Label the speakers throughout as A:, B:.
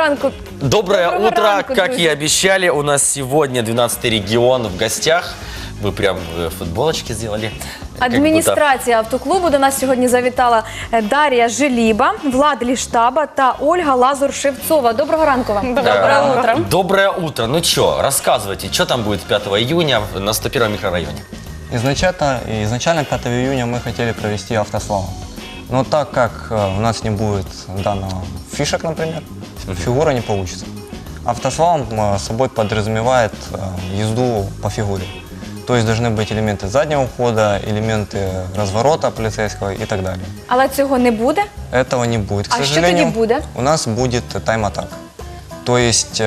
A: ранку.
B: Доброе
A: Доброго
B: утро,
A: ранку,
B: как
A: друзья.
B: и обещали, у нас сегодня 12-й регион в гостях. Вы прям футболочки сделали. Как
A: Адміністрація автоклубу до нас сьогодні завітала Дар'я Желіба, Влад Ліштаба та Ольга Лазур-Шевцова. Доброго ранку вам.
B: Доброе утро. Доброе утро. Ну что, рассказывайте, что там будет 5 июня на 101 микрорайоне?
C: Изначально 5 июня мы хотели провести автослалом. Но так как у нас не будет данного фишек, например, фигура не получится. Автослалом собой подразумевает езду по фигуре. То есть должны быть элементы заднего хода, элементы разворота полицейского и так далее.
A: Але цього не буде?
C: Этого не будет, к
A: А
C: сожалению.
A: что тогда будет?
C: У нас будет тайм-атак. То есть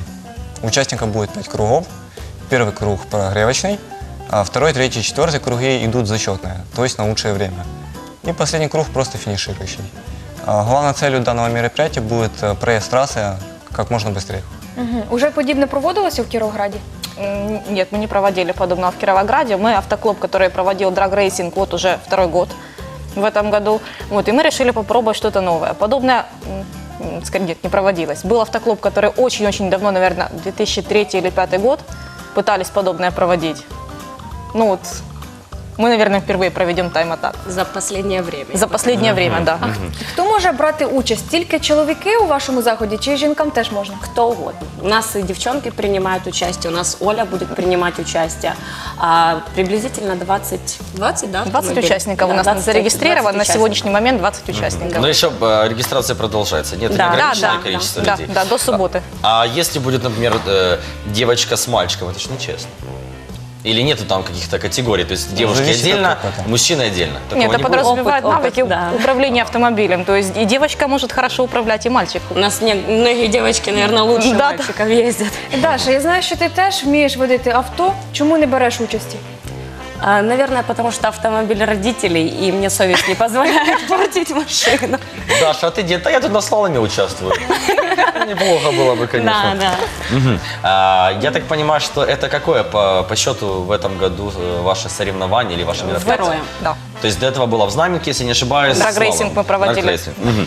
C: у участника будет 5 кругов. Первый круг прогревочный, а второй, третий, четвертый круги идут зачетные, то есть на лучшее время. И последний круг просто финиширующий. Главной целью данного мероприятия будет проезд трассы как можно быстрее.
A: Угу. Уже подібне проводилося в Кіровограді?
D: Нет, мы не проводили подобного в Кировограде. Мы автоклуб, который проводил драг-рейсинг вот уже второй год в этом году. Вот, и мы решили попробовать что-то новое. Подобное, скорее, нет, не проводилось. Был автоклуб, который очень-очень давно, наверное, 2003 или 2005 год, пытались подобное проводить. Ну вот, мы, наверное, впервые проведем тайм-атак.
E: За последнее время.
D: За последнее время, да.
A: Хто може брати участь? Тільки чоловіки у вашому заході чи жінкам теж можна?
E: Кто угодно. У нас и девчонки принимают участие, у нас Оля будет принимать участие. Приблизительно 20, да?
D: 20
E: автомобилей?
D: участников
E: Да,
D: у нас
E: 20
D: зарегистрировано, на
E: участников.
D: сегодняшний момент 20 участников.
B: Но еще регистрация продолжается. Нет,
E: Да,
B: неограниченное
E: да,
B: количество
D: Да,
B: людей.
D: да, до субботы.
B: А если будет, например, девочка с мальчиком, это же нечестно. Или нету там каких-то категорий? То есть девушки
C: Зависит от
B: отдельно,
C: опыта.
B: мужчины отдельно? Такого
D: Нет, это
B: не будет?
D: подразумевает
E: Опыт,
D: навыки
E: да.
D: управления автомобилем. То есть и девочка может хорошо управлять, и мальчик.
E: У нас многие девочки, наверное, лучше
D: Да,
E: мальчиков ездят.
A: Даша, я знаю, що ти теж вмієш водити авто. Чому не береш участі?
E: Наверное, потому что автомобиль родителей, и мне совесть не позволяет портить машину.
B: Даша, а ты где-то? Я тут на слаломе участвую. Неплохо было бы, конечно.
E: Да, да.
B: Мгм. Я так понимаю, что это какое по счету в этом году ваше соревнование или ваше мероприятие?
E: Второе.
D: Да.
B: То есть до этого было в Знаменке, если не ошибаюсь.
D: Драг-рейсинг
B: слалом.
D: мы проводили.
B: Драг-рейсинг. Мгм.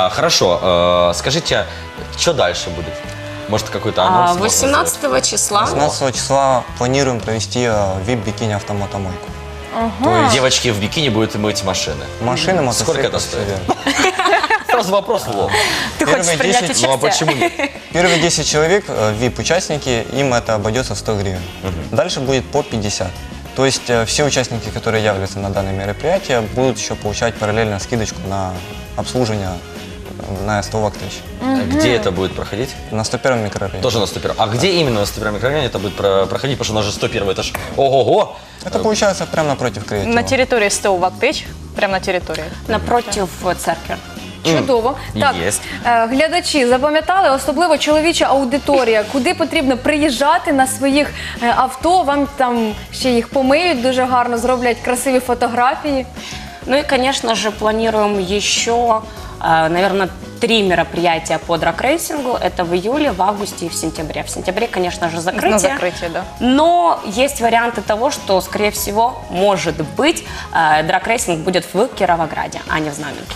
B: Хорошо. Скажите, что дальше будет? Может, какой-то анонс? можно
E: 18 числа
C: 18 числа планируем провести VIP-бикини автомотомойку.
B: сделать? Девочки в бикини будут мыть машины.
C: Машины,
B: Сколько
C: мотоциклы,
B: это
C: всё
B: стоит?
C: верно.
B: Сразу вопрос в лоб.
D: Ты хочешь
C: Первые
D: принять
C: 10,
D: участие?
B: Ну а почему нет?
C: Первые 10 человек, VIP-участники, им это обойдется в 100 гривен. Дальше будет по 50. То есть все участники, которые являются на данное мероприятие, будут еще получать параллельно скидочку на обслуживание на 100 вактыч.
B: Где это будет проходить?
C: На 101 микрорайоне.
B: Тоже на 101. А где именно на 101 микрорайоне это будет проходить? Потому что у нас же 101 этаж. Ого-го!
C: Это получается прямо напротив креатива.
D: На территории СТО «Вактыч», прямо на территории.
E: напротив церкви.
A: Чудово. Так,
B: Єсть.
A: глядачі, запам'ятали, особливо чоловіча аудиторія, куди потрібно приїжджати на своїх авто, вам там ще їх помиють дуже гарно, зроблять красиві фотографії.
E: Ну и, конечно же, планируем еще, наверное, 3 мероприятия по драг-рейсингу. Это в июле, в августе и в сентябре. В сентябре, конечно же, закрытие.
D: На закрытие, да.
E: Но есть варианты того, что, скорее всего, может быть, драг-рейсинг будет в Кировограде, а не в Знаменке.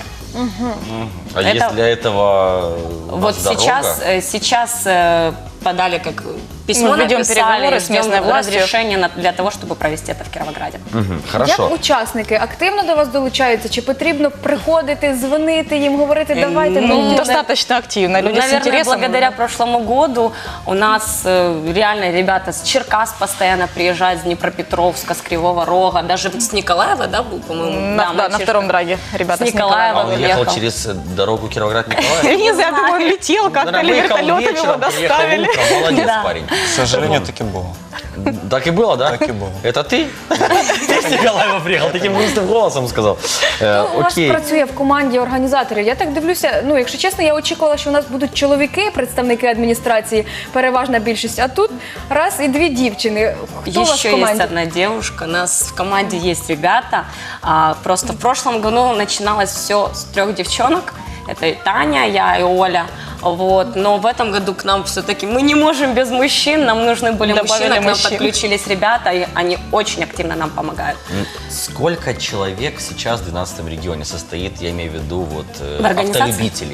B: А
E: Это-
B: есть для этого у
E: Вот
B: вас дорога?
E: сейчас подали как письмо,
D: Мы ведем
E: написали,
D: переговоры с местной
E: ждем
D: властью.
E: разрешения для того, чтобы провести это в Кировограде.
B: Мгм, Хорошо.
A: Як учасники активно до вас долучаються? Чи потрібно приходити, дзвонити їм, говорити, давайте?
E: ну,
A: мені?»
D: Достаточно активно. Люди с
E: Наверное,
D: интересом.
E: благодаря прошлому году у нас реально ребята с Черкас постоянно приезжают, с Днепропетровска, с Кривого Рога, даже с Николаева, да, был, по-моему?
D: На, да, на
E: мальчишка.
D: втором драге ребята
E: С
D: с Николаева.
B: А он
E: Николаева.
B: ехал через дорогу Кировоград-Николаев?
D: Не знаю, я думаю, он летел как-то, или
B: Наверное, выехал
D: вертолетом его
B: вечером, приехал
D: доставили.
B: утром. Молодец,
E: Да.
B: парень.
C: К сожалению, таки было.
B: Так и было, да?
C: Так и было.
B: Это ты? Ты с Николаева приехал, таким грустным голосом сказал.
A: У вас
B: Окей.
A: працює в команді організаторів. Я так дивлюся, ну, якщо чесно, я очікувала, що у нас будуть чоловіки, представники адміністрації, переважна більшість, а тут раз і 2 дівчини. Хто у вас в
E: Еще
A: команді?
E: есть одна девушка. У нас в команде есть ребята. Просто в прошлом году начиналось все с 3 девчонок. Это и Таня, я и Оля. Вот. Но в этом году к нам все-таки мы не можем без мужчин. Нам нужны были
D: Добавили
E: мужчины, к нам
D: мужчин.
E: подключились ребята, и они очень активно нам помогают.
B: Сколько человек сейчас в 12 регионе состоит, я имею в виду, вот,
E: В организации?
B: автолюбителей?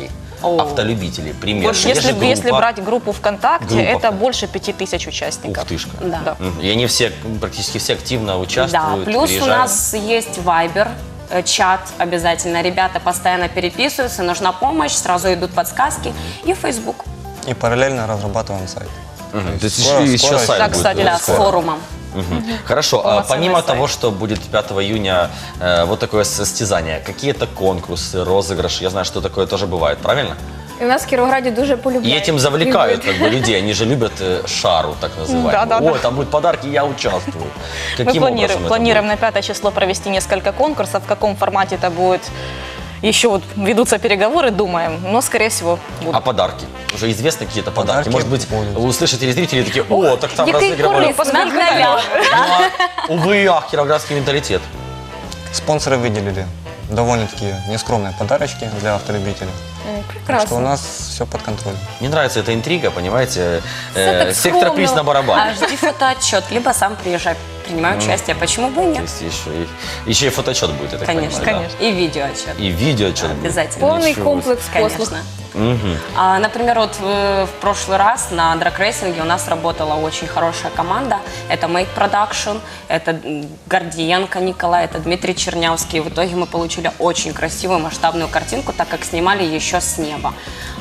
B: автолюбителей примерно?
D: Вот
B: Есть же
D: если
B: группа.
D: брать группу ВКонтакте,
B: Группа
D: это
B: ВКонтакте.
D: больше 5000 участников.
B: Ух тышка.
E: Да.
B: И они все, практически все активно участвуют,
E: Да, плюс у
B: приезжают.
E: нас есть Viber, чат обязательно. Ребята постоянно переписываются, нужна помощь, сразу идут подсказки. И Facebook.
C: И параллельно разрабатываем сайт.
B: То есть
C: скоро-
B: еще
C: скоро
B: сайт
D: Да,
B: будет.
D: кстати,
E: Да, с
C: скоро.
E: форумом.
B: Хорошо,
D: Полноценный
B: помимо
D: сайт.
B: того, что будет 5 июня вот такое состязание, какие-то конкурсы, розыгрыши, я знаю, что такое тоже бывает, правильно?
A: І в нас в Кіровограді дуже
B: И
A: полюбляють.
B: этим завлекают
A: Люблять.
B: как бы людей, они же любят шару, так называемую.
D: Да-да-да.
B: Ой, там будут подарки, я участвую.
D: Мы
B: Каким образом это
D: планируем
B: будет?
D: на 5 число провести несколько конкурсов. В каком формате это будет, еще вот ведутся переговоры, думаем. Но, скорее всего,
B: А
D: будут.
B: подарки? Уже известны какие-то подарки?
C: Подарки
B: Может быть,
C: будут.
B: услышат телезрители такие, о, так там
A: Який
B: разыгрывали.
A: корисний.
E: На днях.
B: Ну, увы, ах, кировоградский менталитет.
C: Спонсоры выделили довольно-таки нескромные подарочки для автолюбителей. Так что у
A: Прекрасно.
C: нас все под контролем.
B: Мне нравится эта интрига, понимаете?
A: так
B: Сектор
A: скромно.
B: приз на барабане.
E: А жди фотоотчет, либо сам приезжай, принимай участие. Почему бы и
B: То
E: нет?
B: есть еще и фотоотчет будет, я так
E: Конечно,
B: понимаю, да?
E: И видеоотчет.
B: И видеоотчет будет.
E: Обязательно.
A: Повний
B: Ничего
A: комплекс послуг.
E: Конечно. Например, вот в прошлый раз на драг-рейсинге у нас работала очень хорошая команда. Это Make Production, это Гордиенко Николай, это Дмитрий Чернявский. В итоге мы получили очень красивую масштабную картинку, так как снимали еще с неба.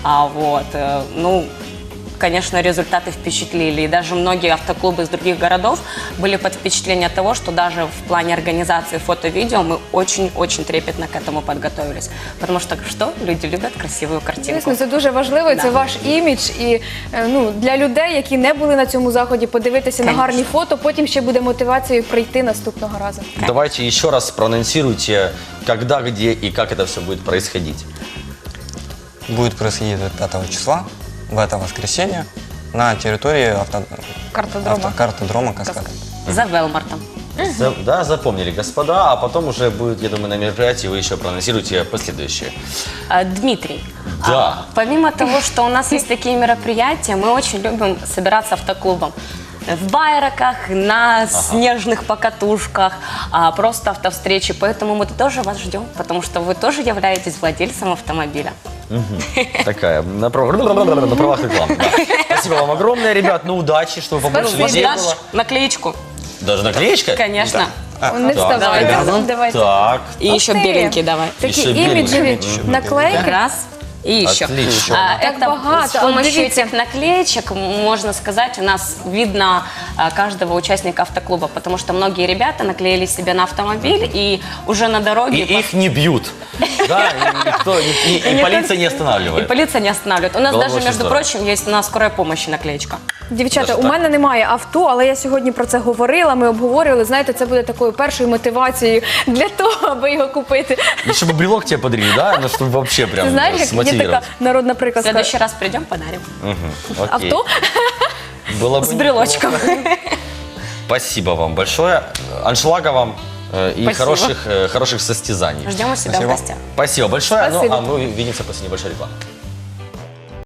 E: Ну, конечно, результаты впечатлили. И даже многие автоклубы из других городов были под впечатлением того, что даже в плане организации фото-видео мы очень-очень трепетно к этому подготовились. Потому что что? Люди любят красивую картинку.
A: Звісно, це дуже важливо, це ваш імідж. І для людей, які не були на цьому заході, подивитися на гарні фото, потім ще буде мотивацією прийти наступного разу.
B: Давайте еще раз проанонсируйте, когда, где и как это все будет происходить.
C: Будет происходить 5 числа, в это воскресенье, на территории картодрома «Каскад».
E: За Велмартом.
B: Да, запомнили, господа, а потом уже будет, я думаю, на мероприятии вы еще проанонсируете последующие.
E: Дмитрий,
B: Да.
E: помимо того, что у нас есть такие мероприятия, мы очень любим собираться автоклубом. В байраках, на снежных покатушках, просто автовстречи. Поэтому мы тоже вас ждем, потому что вы тоже являетесь владельцем автомобиля.
B: Такая, на правах рекламы. Да. Спасибо вам огромное, ребят, ну удачи, чтобы побольше людей
E: Дашь
B: было.
E: наклеечку?
B: Даже наклеечка?
E: Конечно.
A: Не
B: Так,
A: вставайте.
B: так,
A: Давайте.
B: Так,
E: И еще
A: Ух ты.
E: беленький давай.
A: Такі
B: Ще біленькі.
A: іміджеві наклейки.
E: Раз. И еще.
B: Отлично.
A: Так
E: Это
A: богато.
E: с помощью
A: Дивіться.
E: этих наклеечек, можно сказать, у нас видно каждого участника автоклуба, потому что многие ребята наклеили себе на автомобиль и уже на дороге...
B: И их не бьют. Да, и никто, и полиция не
E: И
B: останавливает.
E: полиция не останавливает. У нас
B: Было бы
E: даже,
B: очень
E: между
B: здорово.
E: прочим, есть на скорой помощи наклеечка.
A: Дівчата,
B: Даже
A: у
B: так?
A: мене немає авто, але я сьогодні про це говорила, ми обговорювали. Знаєте, це буде такою першою мотивацією для того, аби його купити.
B: Еще бы брелок тебе подарили, да? Ну, чтобы вообще прям
A: Ти знаєш, як є
B: смотивировать.
A: така народна
E: В
A: приказка?
E: следующий раз придем, подарим.
B: Окей.
A: Авто?
B: Было бы
E: С брелочком.
B: Спасибо вам большое. Аншлага вам и
E: Спасибо.
B: хороших состязаний.
E: Ждем у себя в
C: Спасибо.
E: гостях.
B: Спасибо большое.
A: Спасибо.
B: Ну, а мы увидимся после небольшой рекламы.